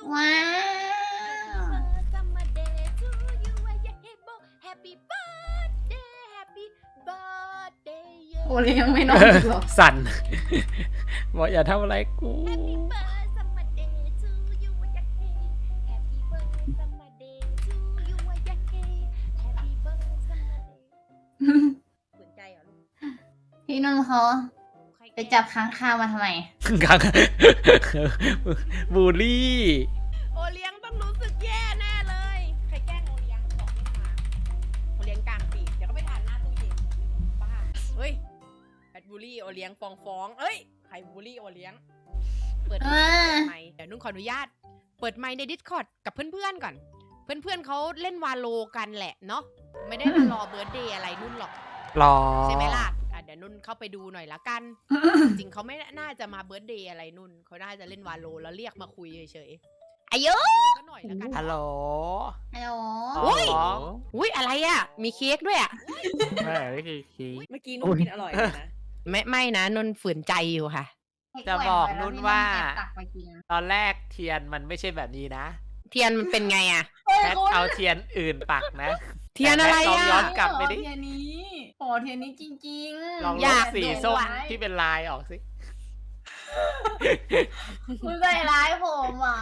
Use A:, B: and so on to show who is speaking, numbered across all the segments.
A: ว้าว โอเลี้ยงไม่นอนอีกหรอ
B: สั่น บอกอย่าทำอะไรกู
C: สนใจเหรอลูก
A: พี่นุ่นเขาไปจับค้างคาวมาทำไม
B: กังบูลลี่
C: โอเลี้ยงต้องรู้สึกแย่แน่เลย ใครแกล้งโอเลี้ยงบอกไม่มาโอเลี้ยงกลางปีกเดี๋ยวก็ไปทานหน้าตู้เย็นบ้าเฮ้ยแบดบูลลี่โอเลี้ยงฟ้องเอ้ยใครบูลลี่โอเลี้ยงเปิดไมค์เดี๋ยวนุ่นขออนุญาตเปิดไมค์ใน Discord กับเพื่อนๆก่อน เพื่อนๆเขาเล่นวาโลกันแหละเนาะไม่ได้มารอเบิร์ธเดย์อะไรนุ่นหรอก
B: รอ
C: ใช่ไหมล่ะเดี๋ยวนุ่นเข้าไปดูหน่อยละกัน จริงเขาไม่น่าจะมาเบิร์ธเดย์อะไรนุ่นเขาน่าจะเล่นวาโลแล้วเรียกมาคุยเฉยๆอายุก็หน่อยละกัน
B: ฮัลโหล
A: ฮัลโหล
C: อุ๊ย
B: อ๋อ
C: อุ้ยอะไรอ่ะ มีเค้กด้วยอ่ะ
B: ไม่ไม่คือคี
D: เมื่อกี้นุ่นกินอร่อยเลยนะ
C: ไม่นะนุ่นฝืนใจอยู่ค่ะ
B: จะบอกนุ่นว่า
A: แอบตักไปกิน
B: ตอนแรกเทียนมันไม่ใช่แบบนี้นะ
C: เทียนมันเป็นไงอ่ะ
B: แพทเอาเทียนอื่นปักนะ
C: เทียนอะไร
B: แต่แพทลองย้อ
C: อ่ะ
B: น กลับไปดิ
A: เทียนนี้โอ้เทียนนี้จริงๆ
B: ลอง
C: อ
B: ล
C: ยา
B: บ
C: ก
B: สี
A: ดู
B: ส้ม
A: ไว้
B: ที่เป็นลายออกสิ
A: คุณใส่ร้ายผมเหรอ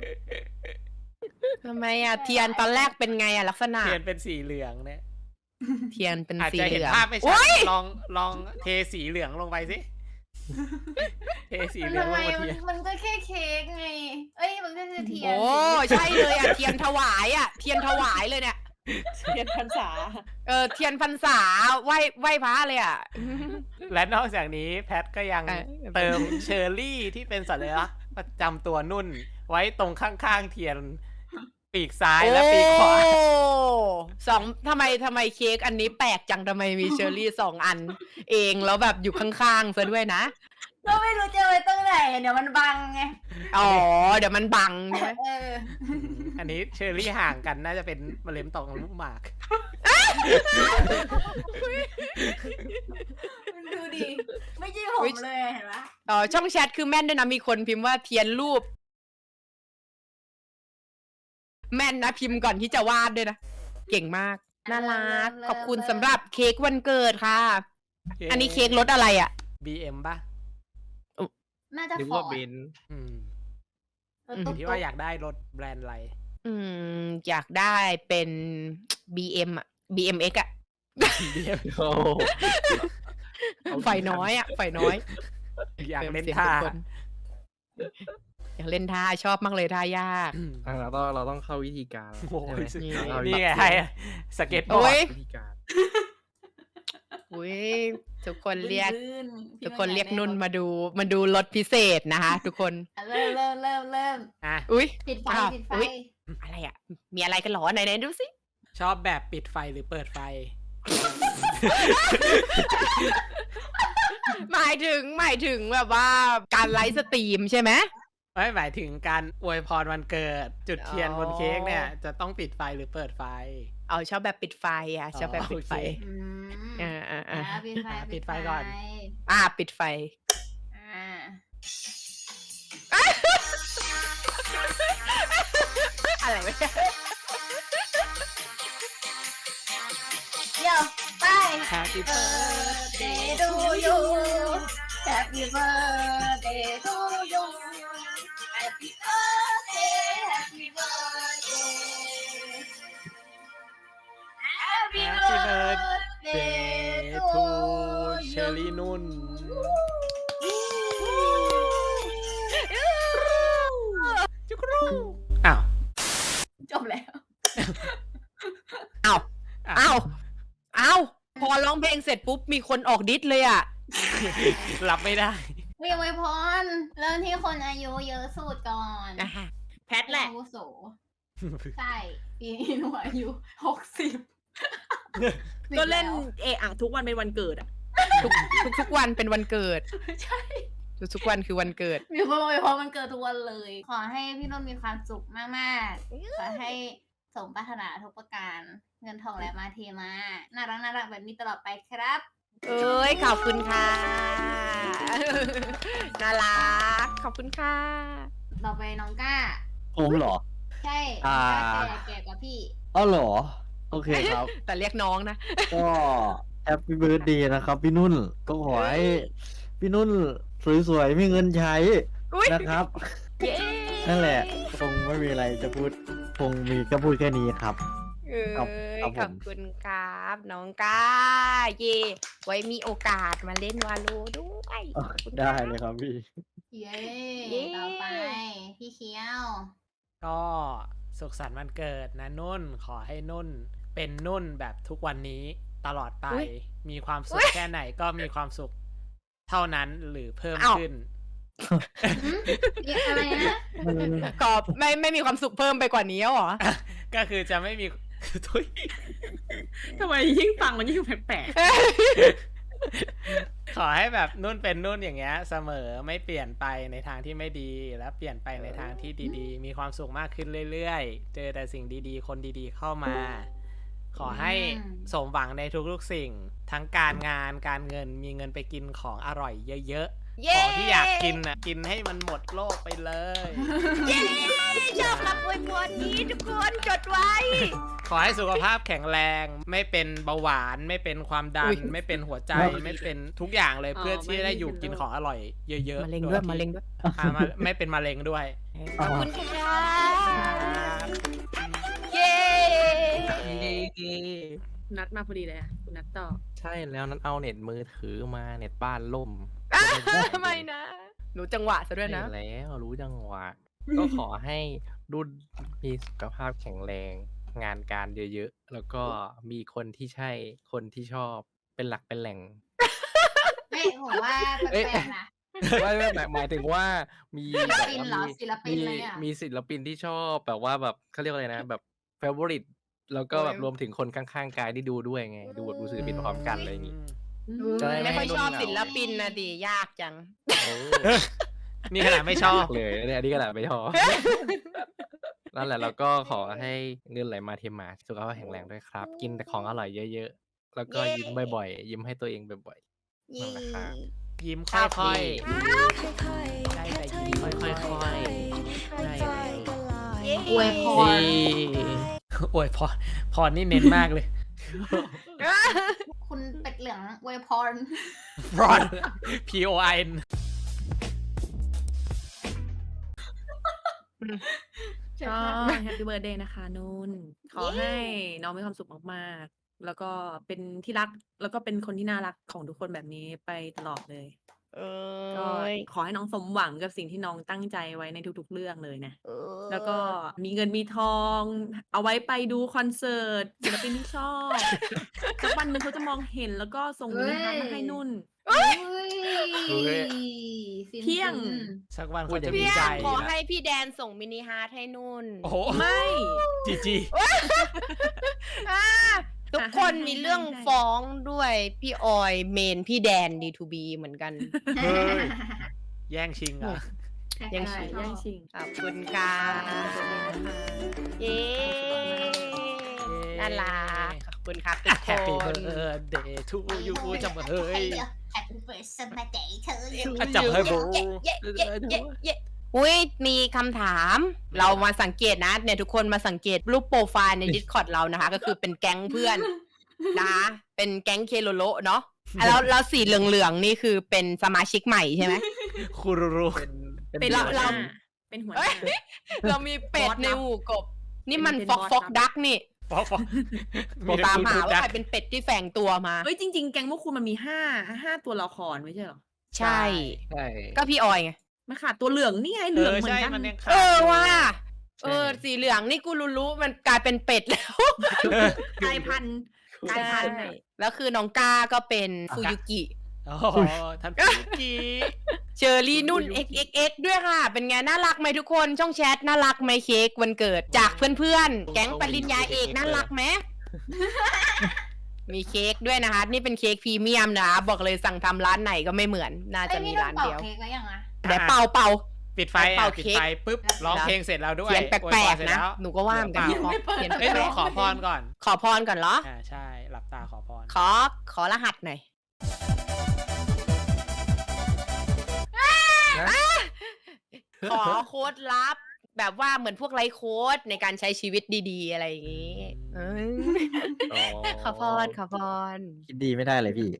C: ทำไมอ่ะเทียนตอนแรกเป็นไงอ่ะลักษณะ
B: เทียนเป็นสีเหลืองเนี่ย
C: เทียนเป็น
B: อาจ
C: สี
B: จะ
C: เห
B: เห็น
C: ลือง
B: ภาพไม่ชัด
C: โอ๊ย
B: ลองเทสีเหลืองลงไปสิ เทสีเหลือง
A: ทำ
B: ล
A: ไม
B: งบนเทียน
A: มันก็แค่เค้กไง เอ้ยมันก็คือเทียน
C: โอ้ใช่เลยอ่ะเทียนถวายอ่ะเทียนถวายเลยเนี่ย
D: เทียนพรรษา
C: เทียนพรรษาไหว้พระเลยอ่ะ
B: และนอกจากนี้แพทก็ยัง
C: เออ
B: เติมเชอร์รี่ที่เป็นสัญลักษณ์ประจำตัวนุ่น ไว้ตรงข้างๆเทียน ปีกซ้ายและปีกขวา
C: โอ้สองทำไมเค้กอันนี้แปลกจังทำไมมีเชอร์รี่สองอัน เองแล้วแบบอยู่ข้างๆซะด้วยนะ
A: ก็ไม่รู้จะไปตรงไหนเดี๋ยวมันบังไง
C: อ๋อเดี๋ยวมันบังใช่ไหม
B: อันนี้เชอร์รี่ห่างกันน่าจะเป็นมะเร็งต่อมลูกหมาก
A: ดูดิ ไม่ใช่ผมเลยเห็นปะ
C: อ๋อช่องแชทคือแม่นด้วยนะมีคนพิมพ์ว่าเทียนรูป แม่นนะพิมพ์ก่อนที่จะวาดด้วยนะ เก่งมาก น่ารัก ขอบคุณสำหรับเค้กวันเกิดค่ะ อันนี้เค้กรสอะไรอ่ะ
B: BM ป่ะ
A: น่าจะ
E: นึก
A: ฟอ
E: ว่า
A: ร์ด
E: เบน
B: อืม
A: ตุ๊ก
B: ที่ว่าอยากได้รถแบรนด์อะไร
C: อยากได้เป็น BM อ่ะ BMX อ่ะ
B: BM
E: โอ้
C: ไฟน้อยอ่ะ ไฟน้อย
B: อยากเล่น
C: สียง
B: ท่า
C: ทุกคนอยากเล่นท่าชอบมากเลยท่ายาก
B: อืม
E: เราต้องเข้าวิธีการ
B: โอ้ย
E: ใช่ไหม
B: นี่ไงให้สเก็ตบอ
C: โอ้
B: ร์
C: ย
B: ด
E: วิธีการ
C: อุ้ยทุกคนเรียก
A: ลื่นๆ
C: ทุกคนเรียกนุ่นมาดูรถพิเศษนะคะ ทุกคน
A: เริ่ม
B: อ่ะ
C: อุ้ย
A: ปิดไฟ
C: อ้าว
A: ปิดไฟ
C: อุ๊ย อะไรอ่ะ มีอะไรกันเหรอไหนๆดูสิ
B: ชอบแบบปิดไฟหรือเปิดไฟ
C: หมายถึงแบบว่าการไลฟ์สตรีมใช่ไหม
B: ไม่หมายถึงการอวยพรวันเกิด จุดเทียน
C: อ๋อ
B: บนเค้กเนี่ย จะต้องปิดไฟหรือเปิดไฟ
C: เอาชอบแบบปิดไฟอ่ะชอบแบบปิดไฟ
B: โอเค
A: อืม
C: อ่า
A: ปิดไฟ
B: ปิดไฟก่อน
C: ปิดไฟ
A: อ่า
C: อะไรวะเนี่ย
A: เดี๋ยวไป
B: Happy
A: birthday to you Happy birthday to you Happy birthday Happy birthday Happy
B: Happy
A: birthday
B: to
A: to
B: เชอรี่นุ่น จุกรูอ้าว
A: จบแล้ว
C: เอาพอร้องเพลงเสร็จปุ๊บมีคนออกดิสเลยอ่ะ
B: รับไม่ได้
A: วิวไวพรเริ่มที่คนอายุเยอะสุดก่อน
D: แพทแหละ
A: อาวุโสใช่ปีนี้หนูอายุ60
D: ก็เล่นเอะอะทุกวันเป็นวันเกิดอ่ะ
C: ทุกวันเป็นวันเกิด
A: ใช่
C: ทุกวันคือวันเกิด
A: มีคนอวยพรมันเกิดทุกวันเลย ขอให้พี่นนท์มีความสุขมากๆ ขอให้สมปรารถนาทุกประการ เงินทองไหลมาเทมา น่ารักแบบนี้ตลอดไปครับ
C: เอ้ยขอบคุณค่ะ น่ารักขอบคุณค่ะ
A: ต่อไปน้องก้า
E: ผมเหรอ
A: ใช่
E: อ่า
A: แก่กว่าพี่
E: อ้าวเหรอ โอเคครับ
C: แต่เรียกน้องนะ
E: ก็แฮปปี้เบิร์ดเดย์นะครับ พี่นุ่น ก็ขอให้พี่นุ่นสวยๆมีเงินใช้
C: อุ๊ย
E: นะครับ
C: เย้
E: นั่นแหละ คงไม่มีอะไรจะพูด คงมีก็พูดแค่นี้ครับ
C: เอ้ย
E: ครับผม
C: ขอบคุณครับน้องก้าเย่ไว้มีโอกาสมาเล่นวาโลด้วยขอบคุณ
E: ได้
C: ครับ
E: เลยครับพี่
A: เย้
C: เย้
A: ต่อไป พี่เคียว
B: ก็สุขสันต์วันเกิดนะนุ่น ขอให้นุ่นเป็นนุ่นแบบทุกวันนี้ตลอดไป มีความสุขแค่ไหนก็มีความสุขเท่านั้นหรือเพิ่มขึ้น
A: เรียกอะไรนะ
C: ก็ไม่มีความสุขเพิ่มไปกว่านี้แล้วเหรอ
B: ก็คือจะไม่มี ทุย
D: ทำไมยิ่งฟังมันยิ่งแปลก
B: ขอให้แบบนุ่นเป็นนุ่นอย่างเงี้ยเสมอไม่เปลี่ยนไปในทางที่ไม่ดีและเปลี่ยนไปในทางที่ดีๆ มีความสุขมากขึ้นเรื่อยๆ เจอแต่สิ่งดีๆ คนดีๆเข้ามา ขอให้สมหวังในทุกๆสิ่ง ทั้งการงานการเงินมีเงินไปกินของอร่อยเยอะๆ
C: เย้
B: ของที่อยากกินน่ะกินให้มันหมดโลกไปเลย
C: เย้ชอบรับอวยพรนี้ทุกคนจดไว้
B: ขอให้สุขภาพแข็งแรง ไม่เป็นเบาหวานไม่เป็นความดัน ไม่เป็นหัวใจไม่เป็นทุกอย่างเลยเพื่อที่จะได้อยู่กินของอร่อยเยอะๆ
C: มะเร็งด้วย
B: โที่
C: มะเร็งด้วย
B: ไม่เป็นมะเร็งด้วย
C: ขอบคุณครับเย้
D: ๆ นัดมาพอดีเลยอะคุณนัดต่อ
F: ใช่แล้วนั้นเอาเน็ตมือถือมาเน็ตบ้านล่ม
C: ไม่นะ หนูจังหวะซะด้วยนะ
F: ใช่แล้วรู้จังหวะ ก็ขอให้รุ่นมีสุขภาพแข็งแรง งานการเยอะๆ แล้วก็มีคนที่ใช่คนที่ชอบเป็นหลักเป็นแหล่ง
A: เฮ้ยผมว่าแปลกๆนะ
F: ไม่หมายถึงว่ามี
A: ศิล
F: แบบ
A: ปิน
F: ว่า
A: เหรอศิลปินเลยอะ
F: มีศิลปินที่ชอบแบบว่าแบบเขาเรียกว่าอะไรนะ แบบเฟเวอริตแล้วก็แบบ
C: โอ้ย
F: รวมถึงคนข้างๆกายที่ดูด้วยไง ดูแบบดูศิลปินพร้อมกันอะไรอย่างงี้ จะได้
C: ไม่ค่อย
F: ให้
C: ชอบ
F: นุ่นเหงา
C: ศิลปินนะดิยากจัง
F: โอ้
B: นี่ขนาดไม่ชอบ
F: เลยเนี่ยอันนี้ก็แหละไม่ชอบ นั่นแหละแล้วก็ขอให้เงินไหลมาเทมาสุขภาพแข็งแรงด้วยครับ กินแต่ของอร่อยเยอะๆ แล้วก็
C: เย้
F: ยิ้มบ่อยๆ ยิ้มให้ตัวเองบ่อยๆ นั่นแหละครับ
B: ยิ้ม
C: ครั
B: ค่
C: บ
B: อยๆได้แต่ยิ้มค่อยๆ
F: ได้แล้ว
A: อวยพร
B: อวยพรนี่เน้นมากเลย
A: คุณเป็ดเหลืองอวยพร
B: พร POIN
D: ก็แฮปปี้เบิร์ดเดย์นะคะนุ่น ขอให้น้องมีความสุขมากๆ แล้วก็เป็นที่รัก แล้วก็เป็นคนที่น่ารักของทุกคนแบบนี้ไปตลอดเลย ก็ขอให้น้องสมหวังกับสิ่งที่น้องตั้งใจไว้ในทุกๆเรื่องเลยนะ แล้วก็มีเงินมีทอง เอาไว้ไปดูคอนเสิร์ตศิลปินที่ชอบสักวันหนึ่งเขาจะมองเห็นแล้วก็ส่งมินิฮาร์ทมาให้นุ่น
A: เฮ้ย
D: เที่ยง
B: สักวัน
F: พู
B: ค
F: ด
B: น
F: อย่า
B: จะ
F: งนี้
B: มี
C: พี่
B: ใจ
C: ขอให้พี่แดนส่งมินิฮาร์ทให้นุ่น
B: โอ้โห
D: ไม่
B: จีจี
C: อ่าทุกคนมีเรื่องฟ้องด้วยพี่ออยเมนพี่แดน D2B เหมือนกัน
B: เฮ้ย แย่งชิงเหรอ่ะ
C: ยัง
D: ใช่
C: ชิง
D: แย่งชิง
C: ขอบคุณค่ะ เย้น่ารักขอบคุณครับทุกค
B: Happy
C: น
B: birthday to you จังเฮ้ย
A: Happy birthday เธอ
B: อ่ะจับให้โบ
C: เย้เย้เย้เย้อุ้ยมีคำถาม เรามาสังเกตนะเนี่ยทุกคนมาสังเกตรูปโปรไฟล์ใน Discord เรานะคะ ก็คือเป็นแก๊งเพื่อนนะคะเป็นแก๊งเคโลโลเนาะอ่ะแล้วสีเหลืองๆนี่คือเป็นสมาชิกใหม่ใช่ไหม
B: คูรูรู
D: เป็น
C: เรา
D: หัวหน้าเป็นหัวหน้า
C: เรามีเป็ด
D: บอสลับ
C: ในหมู่กบ นี่มัน
D: เป็น
C: ฟอก
D: บอส
C: ฟอก
D: ลับ
C: ดักนี่
B: ฟอกมี
C: ตามหา
B: ทู
C: ว่า
B: ดัก
C: ใครเป็นเป็ดที่แฝงตัวมา
D: เฮ้ยจริง ๆ แก๊งพวกคุณมันมีห้าตัวละครไม่ใช่เหรอ
C: ใช่
F: ใช่
C: ก็พี่ออยไง
D: มันขาดตัวเหลืองนี่ไงเห
B: เอ
D: ลือง
B: อ
D: เหมือ
B: ใช่
D: นกัน
B: มันยังขาด
C: เออ
B: อยู่
C: ว่า
F: ใช่
C: สีเหลืองนี่กูรู้มันกลายเป็นเป็ดแล้ว
D: กลายพันธุ์กลายพันธุ์
C: ใช่แล้วคือน้องก้าก็เป็นฟูยุกิ
B: โอ้โหท่านพี่กี
C: เชอรี่นุ่น xxx ด้วยค่ะ เป็นไงน่ารักไหมทุกคนช่องแชทน่ารักไหมเค้กวันเกิดจากเพื่อนๆ แก๊งปริญญาเอกน่ารักไหม มีเค้กด้วยนะคะ นี่เป็นเค้กพรีเมียมนะคะบอกเลยสั่งทำร้านไหนก็ไม่เหมือน น่าจะมีร้านเดียว
A: เค้กแล้วยังอ่ะ
C: เดี๋ยวเป่า
B: ปิดไฟ
C: เป่า
B: ปิด
C: เค้ก
B: ไฟปุ๊บร้องเพลงเสร็จแล้วด้วย
C: เขียนแป
B: อวย
C: ล
B: พร
C: ก
B: เสร็จ
C: ๆนะ
B: แล้ว
C: หนูก็ว่าเหมือนกัน
B: เปล่า
C: เขียน
B: เอ้ย
C: แป
B: หนู
C: ลก
B: ขอพรก่อน
C: ๆขอพรก่อนเหรอ
B: ใช่หลับตาขอพร
C: ขอรหัสหน่อยขอโค้ดลับแบบว่าเหมือนพวกไลฟ์โค้ดในการใช้ชีวิตดีๆ อะไรอย่างงี้ขอพรขอพร
E: คิดดีไม่ได้เลยพี่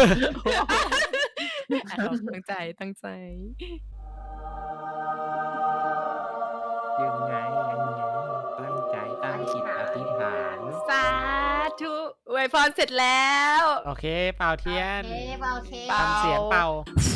C: ตั้งใจตั้งใจ
F: ยังไงตั้งใจตั้งจิตอธิษฐาน
C: สาธุอวยพรเสร็จแล้ว
B: โอเค เป่าเทียน
A: โอเค
C: เป่า
B: ทำเสียงเป่า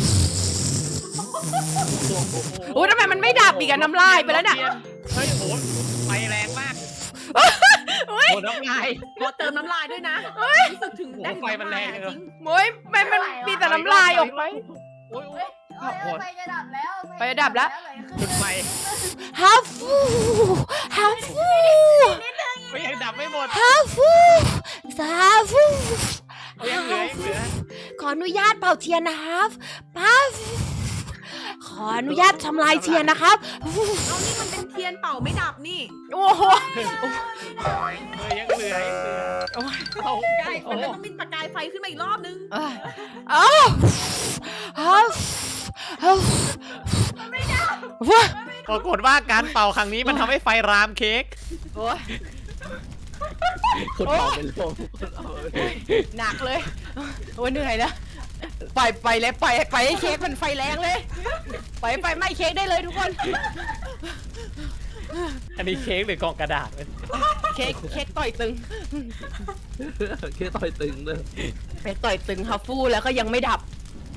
C: โอ้ทำไมมันไม่ดับอีกอะน้ำลายไปแล้วเนี่ย
B: เฮ้ยโหไฟแรงมาก
C: โอ้ย
B: โหน้ำลาย
D: ขอเติมน้ำลายด้วยนะรู้สึกถึงได้
B: โอ้โหไฟมันแรง
D: จ
B: เลย
D: ริง
C: โอ้ยมันมีแต่น้ำลายออกไป
B: โอ้ย
A: ไฟจะดับแล้ว
C: ไฟจะดับแล้ว
B: จุดไฟ
C: ฮัฟฟูฮัฟฟู
B: ไม่ยังดับไม่หมด
C: ฮัฟฟูสาฟู
B: ยังเหลือยังเหลือ
C: ขออนุญาตเป่าเทียนนะครับปั๊บขออนุญาตทำลายเทียนนะครับ
D: เอานี่มันเป็นเทียนเป่าไม่ดับนี่
C: โอ้โห
B: ยังเหลือยังเหลือ
D: ใช่มันต้องมีประกายไฟขึ้นมาอีกรอบนึง
C: อ้าวฮัฟฮัฟ
B: ปรากฏว่าการเป่าครั้งนี้มันทำให้ไฟรามเค้ก
C: โอ้ย
F: คนเอาเป็นลม
C: หนักเลยโอ้ยเหนื่อยแล้วไปเลยไปให้เค้กมันไฟแรงเลยไปไหม้เค้กได้เลยทุกคน
B: อันนี้เค้กหรือกล่องกระดาษ
C: เค้กต่อยตึง
F: แค่ต่อยตึงเลย
C: ไปต่อยตึงฮัฟฟูแล้วก็ยังไม่ดับ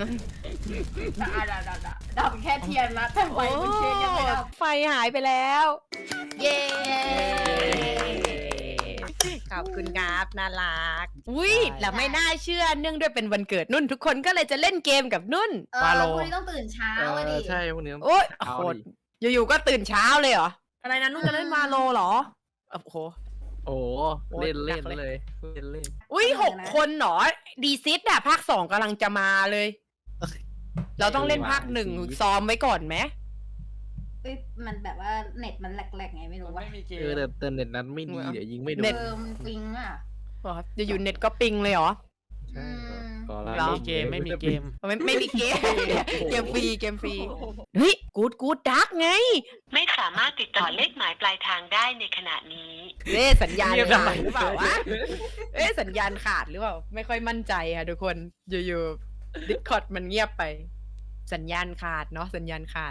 A: ดับแค่เทียนละแต่ไฟบนเทียนยังไม่ดับ
C: ไฟหายไปแล้ว เย้ขอบคุณครับน่ารักอุ้ยแล้วไม่น่าเชื่อเนื่องด้วยเป็นวันเกิดนุ่นทุกคนก็เลยจะเล่นเกมกับนุ่น
A: พรุ่งนี้ต้องตื่นเช้าอะดิ
F: ใช่พวกนี้
C: โอ๊ย
F: เอา
C: โคตร
F: ดิ
C: อยู่ๆก็ตื่นเช้าเลยเหรอ
D: อะไรนะนุ่นจะเล่นวาโลเหรอ
C: โอ้โห
F: โอ้เล่นเล่นเลยเล่น
C: อุ้ย6 คนเหรอดีซิสอะภาค 2กำลังจะมาเลย เราต้องเล่นภาค 1ซ้อมไว้ก่อนไหม
A: มันแบบว่าเน็ตมันแหลกๆไงไม่รู้ว่า
B: ไม่มีเกม
F: แต่เน็ตนั้นไม่ดีเดี๋ยวยิงไม่โดน
A: มันปิงอ่ะ
C: อ๋อจะอยู่เน็ตก็ปิงเลยเหรอ
F: ใช่
C: เหรอ
B: ไม่มีเกมไม่มีเกม
C: ไม่มีเกม เกมฟรีเฮ้ยกูดดักไง
G: ไม่สามารถติดต่อเลขหมายปลายทางได้ในขณะนี้
C: สัญญาณ
B: เงียบ
C: ขา
B: ทำไม
C: ดหรือเปล่าวะสัญญาณขาดหรือเปล่าไม่ค่อยมั่นใจค่ะทุกคนอยู่ๆดิสคอร์ดมันเงียบไป สัญญาณขาดเนาะสัญญาณขาด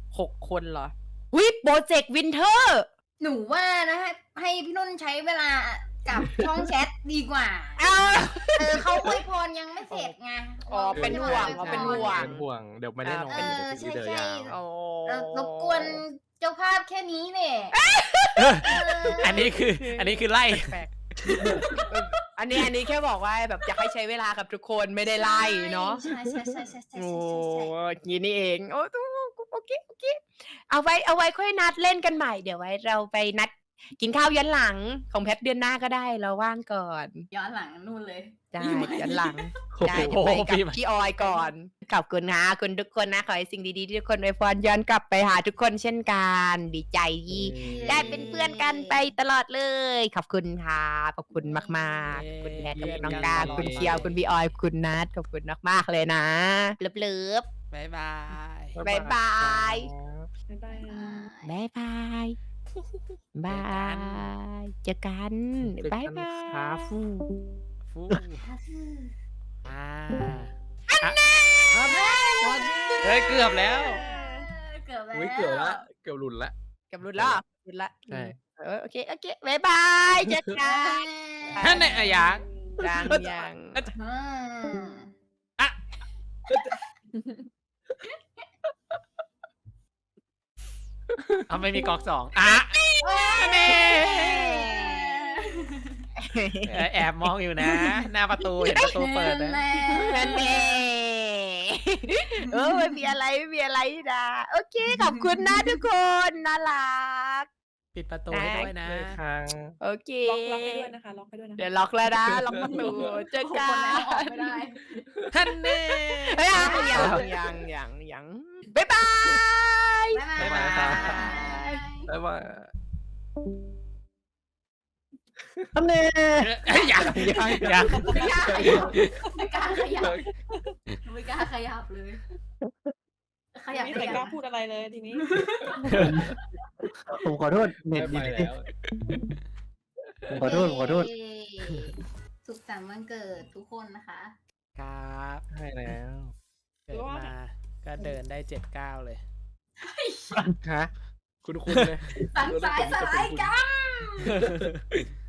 C: 6 คนเหรอวิโปรเจกต์วินเทอร์
A: หนูว่านะให้พี่นุ่นใช้เวลากับช่องแชทดีกว่า เขาอวยพรยังไม่เสร็จไง
C: อ๋อเป็นห่วง
A: เป็นห่วง
F: เป็นห่วงเดี๋ยวไม่ได้นอน
A: ใช่
F: เดี๋ยวยาว
C: โอ้
A: รบกวนเจ้าภาพแค่นี้เนี่ย
B: อันนี้คือไล่
C: แปลกๆอันนี้แค่บอกว่าแบบอยากให้ใช้เวลากับทุกคนไม่ได้ไล่เนาะ
A: ใช่
C: โอ้ยนี่เองโอ้โอเคเอาไว้ค่อยนัดเล่นกันใหม่เดี๋ยวไว้เราไปนัดกินข้าวย้อนหลังของแพทเดือนหน้าก็ได้เราว่างก่อน
A: ย้อนหลังนู่นเลย
C: ได้ย้อนหลัง ได้
B: โอ้
C: เดี๋ยว
B: โห
C: ไปกับพี่ออยก่อนขอบคุณนะคุณทุกคนนะขอให้สิ่งดีๆที่ทุกคนอวยพรย้อนกลับไปหาทุกคนเช่นกันดีใจที่ได้เป็นเพื่อนกันไปตลอดเลยขอบคุณค่ะขอบคุณมากๆคุณแพทขอบคุณน้องกาคุณเคียวคุณพี่ออยคุณนัทขอบคุณมากๆเลยนะเลิฟ
B: บ๊ายบาย
C: ๆบ๊ายบาย
D: บ๊ายบายนะ
C: บ๊ายบายบายเจอกันบ๊ายบาย
F: ครับ
B: ฟูอ่าเฮ้ยเกือบแล้ว
A: เกือบแล้ว
F: อุ้ยเกือบละเกือบหลุดละ
C: กับรุ่นละรุ่นละ
F: ใช่
C: โอเคบ๊ายบายเจอกัน
B: นั่นไหนอะอยาก
C: ยัง
A: อืม
B: เอาไม่มีก๊อกสองอ่ะแม่แอบมองอยู่นะ หน้าประตูเห็นประตูเปิดนะ
C: นั่นเองไม่มีอะไรนะโอเคขอบคุณนะทุกคนน่ารัก
B: ปิดประตูให้ด้วยนะ
F: เลยครั้ง
C: โอเค
D: ล็อกให้ด้วยนะคะล็อกให้ด้วยนะ
C: เดี๋ยวล็อกแล้วนะล็อกประตูเจอกั
A: คนแล้วออก
C: น
A: ไม่ได้
B: ท่านเน่
C: ยังบ๊ายบาย
A: บ๊ายบาย
F: บ๊ายบาย
E: อันนี้
B: ยัง
A: ไม่กล้าขยับไม่กล้าขยับเลยขยับ
D: ไม่
A: ได้
D: เคย
A: ยัง
D: กล้าพูดอะไรเลยทีนี้
E: ผมขอโทษเน็ต
F: ไม่
E: ดี
F: ไปแล้ว
E: ผมขอโทษผมขอโทษ
A: เย้สุขสันต์วันเกิดทุกคนนะคะ
B: ครับ
F: ใช่แล้ว
B: เกิดมาก็เดินได้7-9เลย
F: ฮะ คุณเลย
A: สังสายสลายกัน